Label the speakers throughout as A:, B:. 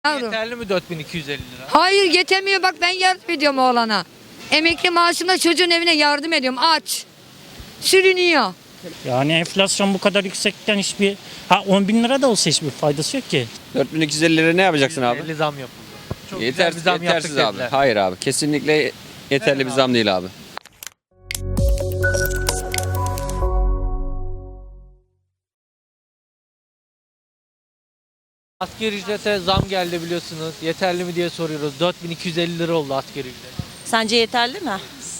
A: Yavrum.
B: Yeterli mi 4250 lira?
A: Hayır yetemiyor, bak ben yardım ediyorum oğlana. Emekli maaşımla çocuğun evine yardım ediyorum, aç. Sürünüyor.
C: Yani enflasyon bu kadar yüksekken 10 bin lira da olsa hiçbir faydası yok ki.
D: 4250 lira ne yapacaksın abi?
B: 50 zam yapıldı. Çok güzel
D: Yeter,
B: bir zam
D: yetersiz
B: yaptık
D: abi.
B: dediler.
D: Hayır abi. Kesinlikle yeterli bir zam değil abi.
B: Asgari ücrete zam geldi biliyorsunuz. Yeterli mi diye soruyoruz. 4250 lira oldu asgari ücret.
E: Sence yeterli mi?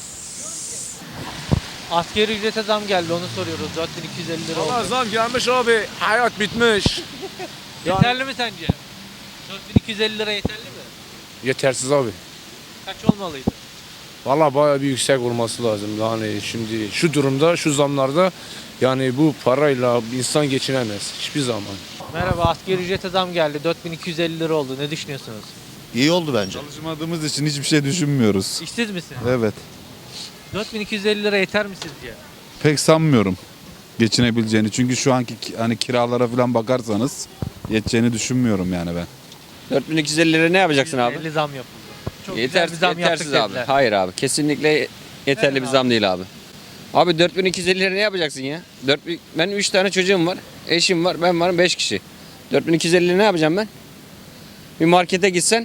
B: Asgari ücrete zam geldi, onu soruyoruz. 4250 lira
F: Valla
B: oldu.
F: zam gelmiş abi. Hayat bitmiş.
B: Yeterli mi sence? 4250 lira yeterli mi?
F: Yetersiz abi.
B: Kaç olmalıydı?
F: Valla bayağı bir yüksek olması lazım. Yani şimdi şu durumda, şu zamlarda yani bu parayla insan geçinemez. Hiçbir zaman.
B: Merhaba, asgari ücrete zam geldi. 4250 lira oldu. Ne düşünüyorsunuz?
G: İyi oldu bence.
H: Çalışmadığımız için hiçbir şey düşünmüyoruz.
B: İşsiz misin?
H: Evet.
B: 4250 lira yeter mi sizce?
H: Pek sanmıyorum geçinebileceğini. Çünkü şu anki hani kiralara falan bakarsanız yeteceğini düşünmüyorum yani ben.
D: 4250 lira ne yapacaksın abi?
B: 50 zam yapıldı. Çok
D: Yeter,
B: güzel bir zam
D: yetersiz
B: yaptık
D: abi.
B: dediler.
D: Hayır abi. Kesinlikle yeterli bir zam değil abi. Abi 4250 lira ne yapacaksın ya? Ben 3 tane çocuğum var. Eşim var. Ben varım 5 kişi. 4250 lira ne yapacağım ben? Bir markete gitsen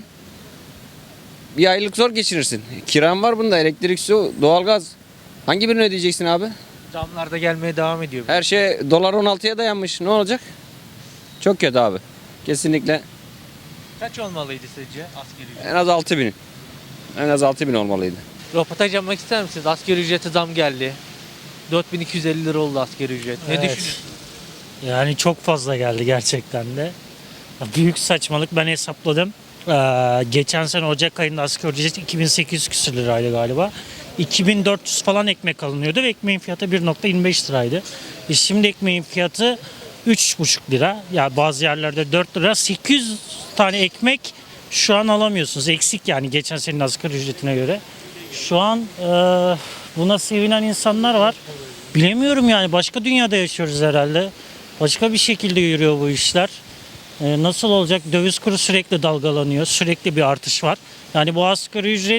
D: bir aylık zor geçirirsin. Kiran var bunda. Elektrik, su, doğalgaz. Hangi birini ödeyeceksin abi?
B: Zamlar da gelmeye devam ediyor.
D: Her şey dolar 16'ya dayanmış. Ne olacak? Çok kötü abi. Kesinlikle
B: Kaç olmalıydı sizce asgari ücret?
D: en az 6000. En az 6000 olmalıydı.
B: Röportaj yapmak ister misiniz? Asgari ücrete zam geldi. 4250 lira oldu asgari ücret. Ne
C: Evet.
B: düşünüyorsunuz?
C: Yani çok fazla geldi gerçekten de. Büyük saçmalık, ben hesapladım. Geçen sene Ocak ayında asgari ücret 2800 küsür liraydı galiba. 2400 falan ekmek alınıyordu ve ekmeğin fiyatı 1,25 liraydı. Şimdi ekmeğin fiyatı 3,5 lira. Ya bazı yerlerde 4 lira. 800 tane ekmek şu an alamıyorsunuz. Eksik yani geçen senenin asgari ücretine göre. Şu an buna sevinen insanlar var. Bilemiyorum yani, başka dünyada yaşıyoruz herhalde. Başka bir şekilde yürüyor bu işler. Nasıl olacak? Döviz kuru sürekli dalgalanıyor. Sürekli bir artış var. Yani bu asgari ücret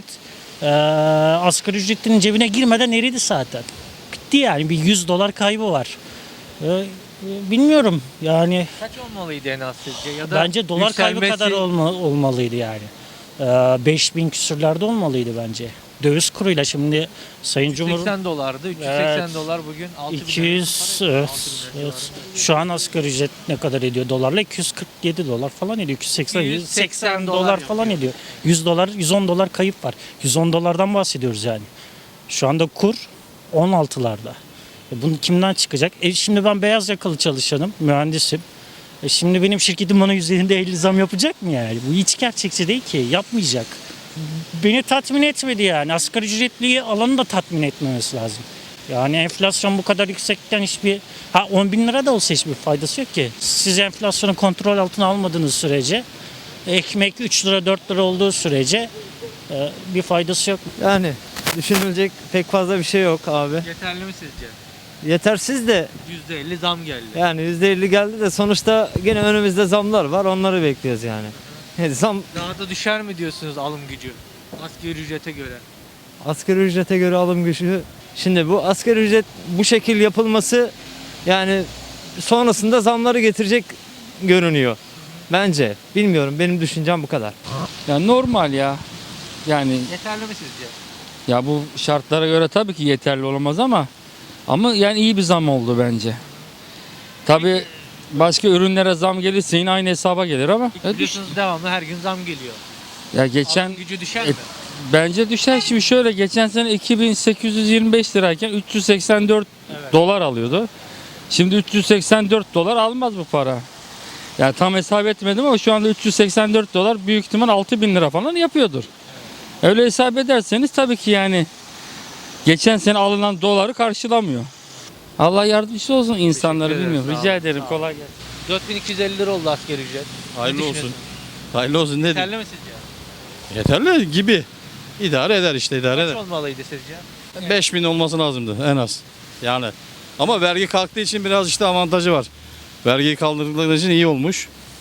C: asgari ücretin cebine girmeden eridi zaten. Bitti yani, bir 100 dolar kaybı var. Bilmiyorum yani,
B: Kaç olmalıydı en az sizce? Ya da
C: bence dolar kaybı
B: yükselmesi-
C: kadar olmalıydı yani. 5000 küsürlerde olmalıydı bence. Döviz kuruyla şimdi Sayın Cumhur
B: 80 dolardı. 380
C: Evet.
B: dolar bugün 6000
C: 200 evet. Şu an asgari ücret ne kadar ediyor dolarla? 247 dolar falan ediyor. 280 180 dolar falan ediyor. 100 dolar, 110 dolar kayıp var. 110 dolardan bahsediyoruz yani. Şu anda kur 16'larda. Bunu kimden çıkacak? Şimdi ben beyaz yakalı çalışanım, mühendisim. Şimdi benim şirketim bana üzerinde 50 zam yapacak mı yani? Bu hiç gerçekçi değil ki. Yapmayacak. Beni tatmin etmedi yani. Asgari ücretliyi alanı da tatmin etmemesi lazım. Yani enflasyon bu kadar yüksekken 10 bin lira da olsa hiçbir faydası yok ki. Siz enflasyonu kontrol altına almadığınız sürece, ekmek 3 lira 4 lira olduğu sürece bir faydası yok.
I: Yani düşünülecek pek fazla bir şey yok abi.
B: Yeterli mi sizce?
I: Yetersiz de
B: %50 zam geldi.
I: yani %50 geldi de sonuçta gene önümüzde zamlar var, onları bekliyoruz yani. Zam
B: Daha da düşer mi diyorsunuz alım gücü? Asgari ücrete göre.
I: asgari ücrete göre alım gücü. Şimdi bu asgari ücret bu şekil yapılması yani sonrasında zamları getirecek görünüyor. Bence. Bilmiyorum, benim düşüncem bu kadar.
J: Ya normal ya. Yani
B: Yeterli mi sizce?
J: ya bu şartlara göre tabii ki yeterli olamaz ama yani iyi bir zam oldu bence. Tabii başka ürünlere zam gelirse yine aynı hesaba gelir ama
B: Biliyorsunuz devamlı her gün zam geliyor.
J: ya geçen
B: Alım gücü düşer mi?
J: bence düşer. Şimdi şöyle, geçen sene 2825 lirayken 384
B: Evet.
J: dolar alıyordu. Şimdi 384 dolar almaz bu para. Yani tam hesap etmedim ama şu anda 384 dolar büyük ihtimal 6000 lira falan yapıyordur. Öyle hesap ederseniz tabii ki yani geçen sene alınan doları karşılamıyor. Allah yardımcısı olsun insanları,
B: Teşekkür ederim,
J: bilmiyorum.
B: sağ
J: Rica
B: olun,
J: ederim,
B: sağ
J: kolay gelsin.
B: 4250 lira oldu asgari ücret.
G: Hayırlı
B: Ne
G: olsun.
B: düşünüyorsunuz?
G: Hayırlı olsun ne
B: Yeterli mi sizce?
G: Yeterli gibi. İdare eder işte, idare
B: Kaç
G: eder.
B: olmalıydı sizce?
G: 5000 olması lazımdı en az. Yani. Ama vergi kalktığı için biraz işte avantajı var. Vergiyi kaldırdıkları için iyi olmuş.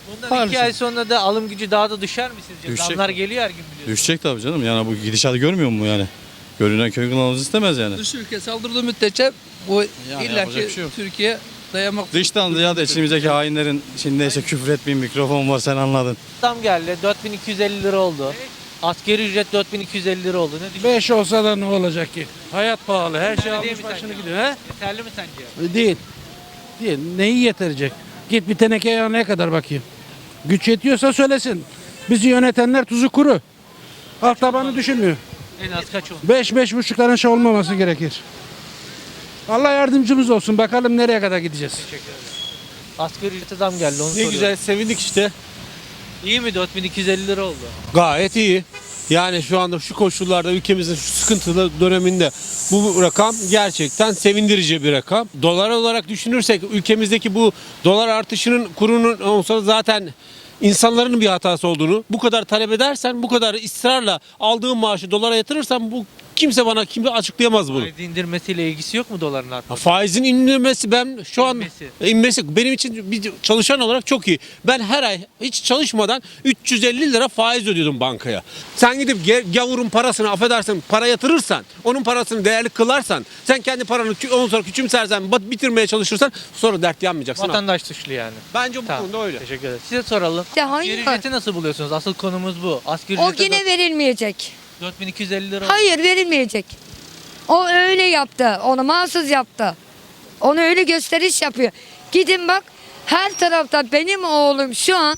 B: Bundan
G: Maalesef.
B: 2 ay sonra da alım gücü daha da düşer mi sizce?
G: Düşecek.
B: Zamlar geliyor her gün biliyorsunuz.
G: Düşecek tabii canım. Yani bu gidişatı görmüyor mu yani? Görünen köy kılavuz istemez yani.
E: Dış ülke saldırdığı müddetçe bu
G: Yani
E: illaki
G: yapacak bir şey yok.
E: Türkiye dayamak
G: Dıştan ziyade içimizdeki hainlerin, şimdi neyse küfür etmeyin, mikrofon var sen anladın.
B: Zam geldi 4250 lira oldu. Asgari ücret 4250 lira oldu. Ne düşünüyorsun?
E: 5 olsa da ne olacak ki? Hayat pahalı. Her şey
B: Yeterli değil
E: almış
B: mi
E: başını
B: sence?
E: gidiyor. He?
B: Yeterli mi sence?
E: Değil. Değil. Neyi yetirecek? Git bir teneke yağına kadar bakayım. Güç yetiyorsa söylesin. Bizi yönetenler tuzu kuru. Alt tabanı düşünmüyor.
B: En az kaç oldu?
E: 5-5,5'ların şey olmaması gerekir. Allah yardımcımız olsun. Bakalım nereye kadar gideceğiz.
B: Asgari ücrete zam geldi onu
K: Ne
B: soruyorum.
K: güzel sevindik işte.
B: İyi mi 4250 lira oldu?
K: Gayet iyi. Yani şu anda şu koşullarda ülkemizin şu sıkıntılı döneminde bu rakam gerçekten sevindirici bir rakam. Dolar olarak düşünürsek ülkemizdeki bu dolar artışının kurunun olsa zaten insanların bir hatası olduğunu, bu kadar talep edersen, bu kadar ısrarla aldığın maaşı dolara yatırırsan bu kimse açıklayamaz bunu.
B: Faiz indirmesiyle ilgisi yok mu doların artması?
K: Faizin inmesi ben şu an
B: İnmesi.
K: inmesi benim için bir çalışan olarak çok iyi. Ben her ay hiç çalışmadan 350 lira faiz ödüyordum bankaya. Sen gidip gavurun parasını affedersin para yatırırsan, onun parasını değerli kılarsan, sen kendi paranı ondan sonra küçümsersen, bitirmeye çalışırsan sonra dert yanmayacaksın.
B: Vatandaş suçlu yani.
K: Bence bu
B: Tamam.
K: konuda öyle.
B: Teşekkür ederim. Size soralım.
A: Ya
B: Asgari
A: hayır.
B: ücreti nasıl buluyorsunuz? Asıl konumuz bu. Asgari
A: O
B: ücrete
A: yine verilmeyecek.
B: 4250 lira oldu.
A: Hayır verilmeyecek. O öyle yaptı. Onu mahsus yaptı. Onu öyle gösteriş yapıyor. Gidin bak her tarafta benim oğlum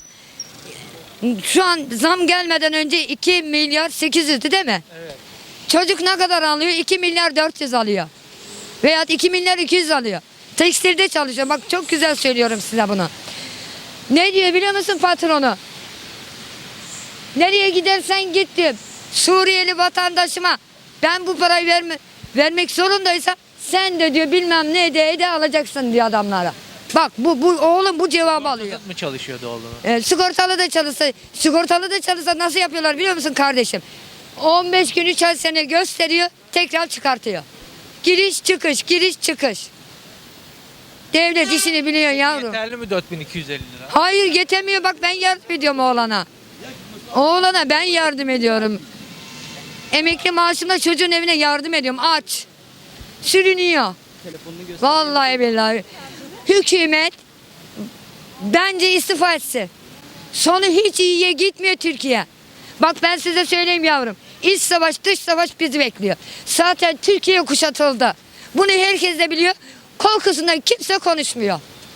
A: şu an zam gelmeden önce 2 milyar 800'dü değil mi?
B: Evet.
A: Çocuk ne kadar alıyor? 2 milyar 400 alıyor. Veya 2 milyar 200 alıyor. Tekstilde çalışıyor. Bak çok güzel söylüyorum size bunu. Ne diyor biliyor musun patronu? Nereye gidersen git diyor. Suriyeli vatandaşıma ben bu parayı vermek zorundaysa sen de diyor bilmem ne ede alacaksın diyor adamlara. Bak bu oğlum bu cevabı alıyor.
B: Sigortasız mı çalışıyordu oğlunuz?
A: Sigortalı da çalışsa nasıl yapıyorlar biliyor musun kardeşim? 15 gün 3 ay sene gösteriyor tekrar çıkartıyor. Giriş çıkış. Devlet işini biliyor yavrum.
B: Yeterli mi 4250 lira?
A: Hayır yetemiyor bak ben yardım ediyorum oğlana. Oğlana ben yardım ediyorum. Emekli maaşımla çocuğun evine yardım ediyorum. Aç. Sürünüyor. Vallahi billahi. Hükümet bence istifa etsin. Sonu hiç iyiye gitmiyor Türkiye. Bak ben size söyleyeyim yavrum. İç savaş dış savaş bizi bekliyor. Zaten Türkiye kuşatıldı. Bunu herkes de biliyor. Korkusundan kimse konuşmuyor.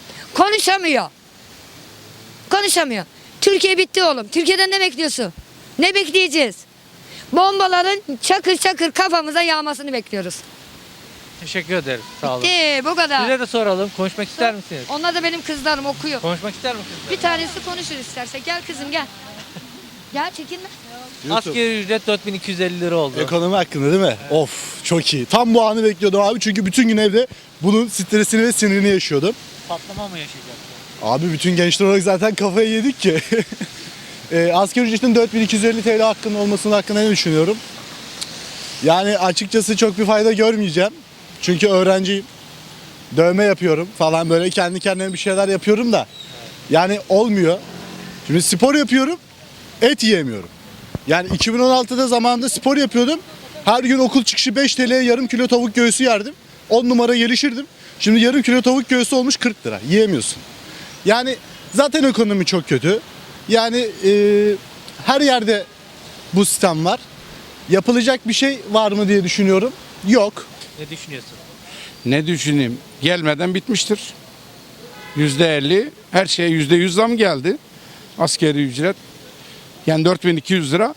A: Konuşamıyor. Türkiye bitti oğlum. Türkiye'den ne bekliyorsun? Ne bekleyeceğiz? Bombaların çakır çakır kafamıza yağmasını bekliyoruz.
B: Teşekkür ederim. Sağ olun.
A: Bu kadar.
B: Size de soralım. Konuşmak ister misiniz?
A: Onlar da benim kızlarım okuyor.
B: Konuşmak ister misiniz?
A: Bir tanesi konuşur isterse. Gel kızım gel. Gel çekinme.
B: Asgari ücret 4250 lira oldu.
L: Ekonomi hakkında değil mi? Of çok iyi. Tam bu anı bekliyordum abi çünkü bütün gün evde bunun stresini ve sinirini yaşıyordum.
B: Patlama mı yaşayacaksın?
L: Abi bütün gençler olarak zaten kafayı yedik ki. Asgari ücretin 4250 TL hakkında ne düşünüyorum? Yani açıkçası çok bir fayda görmeyeceğim. Çünkü öğrenciyim. Dövme yapıyorum falan böyle kendi kendime bir şeyler yapıyorum da. Yani olmuyor. Şimdi spor yapıyorum. Et yiyemiyorum. Yani 2016'da zamanında spor yapıyordum. Her gün okul çıkışı 5 TL'ye yarım kilo tavuk göğsü yerdim. 10 numara gelişirdim. Şimdi yarım kilo tavuk göğsü olmuş 40 lira. Yiyemiyorsun. Yani zaten ekonomi çok kötü. Yani her yerde bu sistem var. Yapılacak bir şey var mı diye düşünüyorum. Yok.
B: Ne düşünüyorsun?
E: Ne düşüneyim? Gelmeden bitmiştir. %50 her şeye %100 zam geldi. Asgari ücret. Yani 4200 lira.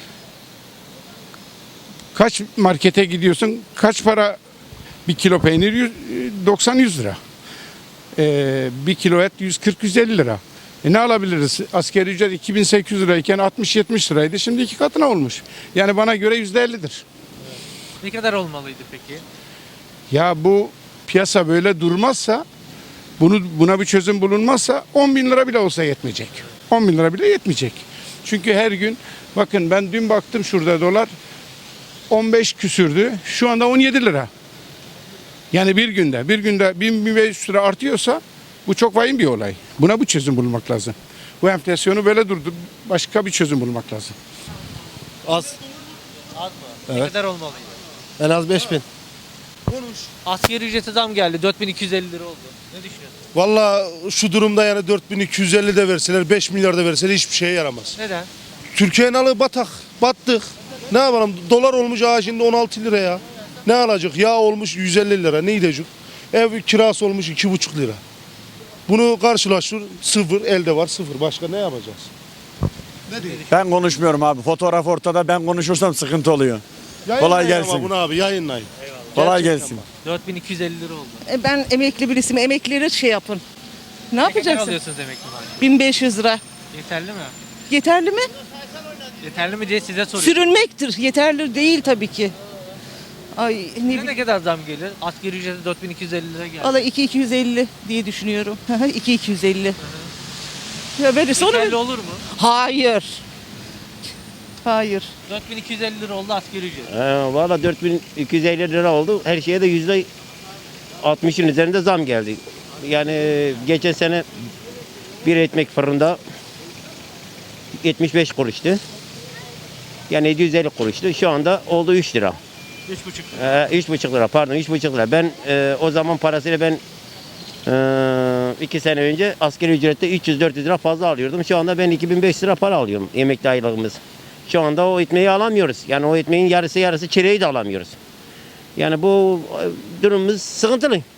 E: Kaç markete gidiyorsun? Kaç para bir kilo peynir? 90-100 lira. Bir kilo et 140-150 lira. Ne alabiliriz? Asgari ücret 2800 lirayken 60-70 liraydı. Şimdi 2 katına olmuş. Yani bana göre %50'dir.
B: Ne kadar olmalıydı peki?
E: Ya bu piyasa böyle durmazsa, buna bir çözüm bulunmazsa 10 bin lira bile olsa yetmeyecek. 10 bin lira bile yetmeyecek. Çünkü her gün, bakın ben dün baktım şurada dolar 15 küsürdü. Şu anda 17 lira. Yani bir günde 1000-1500 lira artıyorsa bu çok vahim bir olay. Buna bu çözüm bulmak lazım. Bu enflasyonu böyle durdur. Başka bir çözüm bulmak lazım.
L: Az.
B: Az mı? Ne
L: Evet.
B: kadar olmalıydı?
L: En az 5000.
B: Asgari ücrete zam geldi. 4250 lira oldu. Ne düşünüyorsun?
L: Valla şu durumda yani 4250 de verseler 5 milyar da verseler hiçbir şeye yaramaz.
B: Neden?
L: Türkiye'nin alı batak. Battık. Ne yapalım? Dolar olmuş şimdi 16 lira ya. Ne alacak? Yağ olmuş 150 lira. Ne gidecek? Ev kirası olmuş 2,5 lira. Bunu karşılaştır. Sıfır. Elde var sıfır. Başka ne yapacağız?
M: Ben konuşmuyorum abi. Fotoğraf ortada. Ben konuşursam sıkıntı oluyor. Kolay gelsin.
L: Ama bunu abi yayınlayın.
M: Kolay
L: Gerçekten
M: gelsin.
L: bak.
B: 4250 lira oldu.
N: Ben emekli birisiyim. Emeklileri şey yapın. Ne
B: Ne kadar
N: yapacaksın?
B: alıyorsunuz emekli maaşı?
N: 1500 lira.
B: Yeterli mi?
N: Yeterli mi?
B: Yeterli mi diye size soruyorum.
N: Sürünmektir. Yeterli değil tabii ki. Ay ne
B: Size
N: bileyim.
B: ne kadar zam gelir? Asgari ücrete 4250 lira geldi.
N: Valla 2250 diye düşünüyorum. 2250. Ya verirse onu
B: Yeterli olur mu?
N: Hayır. Hayır.
B: 4250 lira oldu asgari ücret.
M: Valla 4250 lira oldu. Her şeye de %60'ın üzerinde zam geldi. Yani geçen sene bir ekmek fırında 75 kuruştu. Yani 750 kuruştu. Şu anda oldu 3 lira.
B: 3,5 lira.
M: 3,5 lira pardon 3,5 lira. Ben o zaman parasıyla ben 2 sene önce asgari ücrette 300-400 lira fazla alıyordum. Şu anda ben 2500 lira para alıyorum emekli aylığımız. Şu anda o ekmeği alamıyoruz. Yani o ekmeğin yarısı çileği de alamıyoruz. Yani bu durumumuz sıkıntılı.